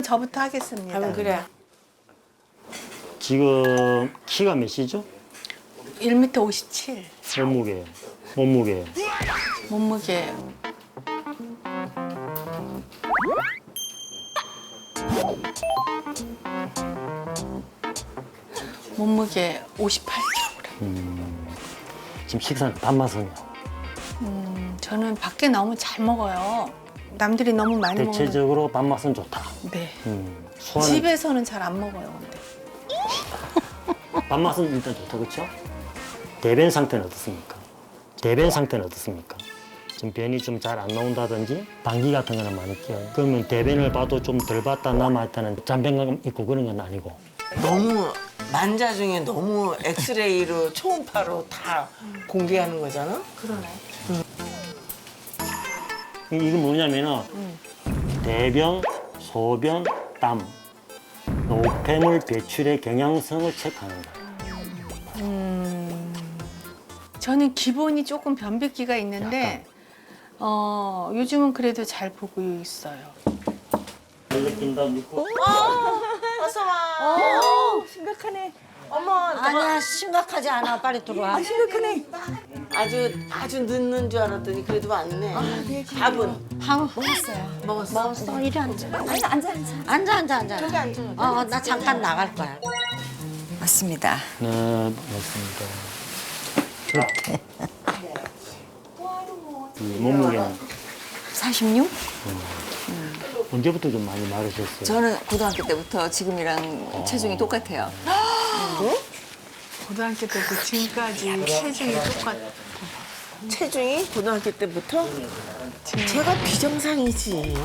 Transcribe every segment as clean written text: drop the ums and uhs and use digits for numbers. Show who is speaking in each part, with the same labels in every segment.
Speaker 1: 저부터 하겠습니다.
Speaker 2: 그래.
Speaker 3: 지금 키가 몇이죠?
Speaker 1: 1m 57.
Speaker 3: 몸무게요. 몸무게요.
Speaker 1: 몸무게 몸무게 58kg.
Speaker 3: 지금 식사는 밥맛은요?
Speaker 1: 저는 밖에 나오면 잘 먹어요. 남들이 너무 많이 먹는.
Speaker 3: 대체적으로 밥맛은 좋다.
Speaker 1: 네.
Speaker 3: 소화는
Speaker 1: 집에서는 잘 안 먹어요. 근데.
Speaker 3: 밥맛은 일단 좋다, 그렇죠? 대변 상태는 어떻습니까? 대변 상태는 어떻습니까? 지금 변이 좀 잘 안 나온다든지 방귀 같은 거는 많이 껴요. 그러면 대변을 봐도 좀 덜 봤다 남아있다는 잔변감 있고 그런 건 아니고.
Speaker 2: 너무 만자 중에 너무 엑스레이로 초음파로 다 공개하는 거잖아.
Speaker 1: 그러네.
Speaker 3: 이건 뭐냐면은 대변, 소변, 땀, 노폐물 배출의 경향성을 체크하는 거예요.
Speaker 1: 저는 기본이 조금 변비기가 있는데 요즘은 그래도 잘 보고 있어요.
Speaker 3: 느낀다 믿고.
Speaker 2: 어서 와. 심각하네. 어머,
Speaker 4: 아니야 심각하지 않아. 빨리 들어와.
Speaker 2: 심각하네. 아주 늦는 줄 알았더니 그래도 왔네. 밥은
Speaker 4: 먹었어요.
Speaker 2: 먹었어.
Speaker 4: 이리 앉아. 앉아.
Speaker 2: 저기 앉아.
Speaker 4: 나 잠깐 나갈 거야.
Speaker 5: 맞습니다.
Speaker 3: 네, 맞습니다. 몸무게는
Speaker 5: 46?
Speaker 3: 언제부터 좀 많이 마르셨어요?
Speaker 5: 저는 고등학교 때부터 지금이랑 체중이 똑같아요.
Speaker 1: 고등학교 때부터 지금까지 체중이 똑같아.
Speaker 2: 체중이 고등학교 때부터 제가 비정상이지.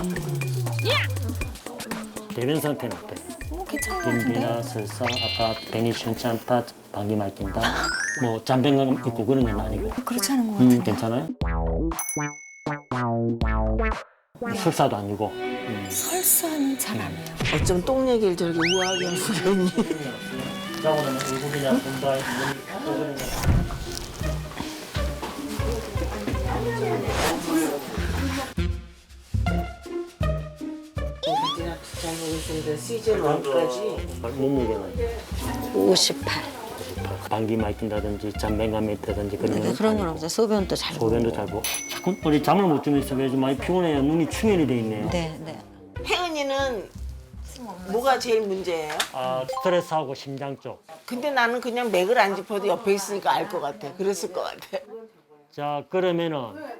Speaker 3: 대변 상태는 어때요?
Speaker 5: 괜찮은 것 같은데?
Speaker 3: 변비나 설사, 아까 변이 시원치 않다, 방귀 막힌다, 뭐 잔변감 있고 그런 건 아니고.
Speaker 5: 그렇지 않은 것 같은데?
Speaker 3: 괜찮아요? 설사도 아니고.
Speaker 5: 설사는 잘 안 해요.
Speaker 2: 어쩜 똥 얘기를 저렇게 우아하게 하고 있니?
Speaker 3: 자고는 얼굴이나 손발, 눈,
Speaker 2: 잘 먹었습니다. 시즌 1까지.
Speaker 3: 몸무게는
Speaker 4: 58.
Speaker 3: 방귀 막힌다든지 잔변감이 있다든지 그런 건
Speaker 4: 그런 건
Speaker 3: 아니고.
Speaker 4: 없어요. 소변도 잘
Speaker 3: 소변도 잘 보고. 자꾸 우리 잠을 못 주면서 왜 좀 많이 피곤해요. 눈이 충혈이 돼 있네요.
Speaker 4: 네.
Speaker 2: 혜은이는 뭐가 제일 문제예요?
Speaker 3: 아, 스트레스하고 심장 쪽.
Speaker 2: 근데 나는 그냥 맥을 안 짚어도 옆에 있으니까 알 것 같아. 그랬을 것 같아.
Speaker 3: 자, 그러면은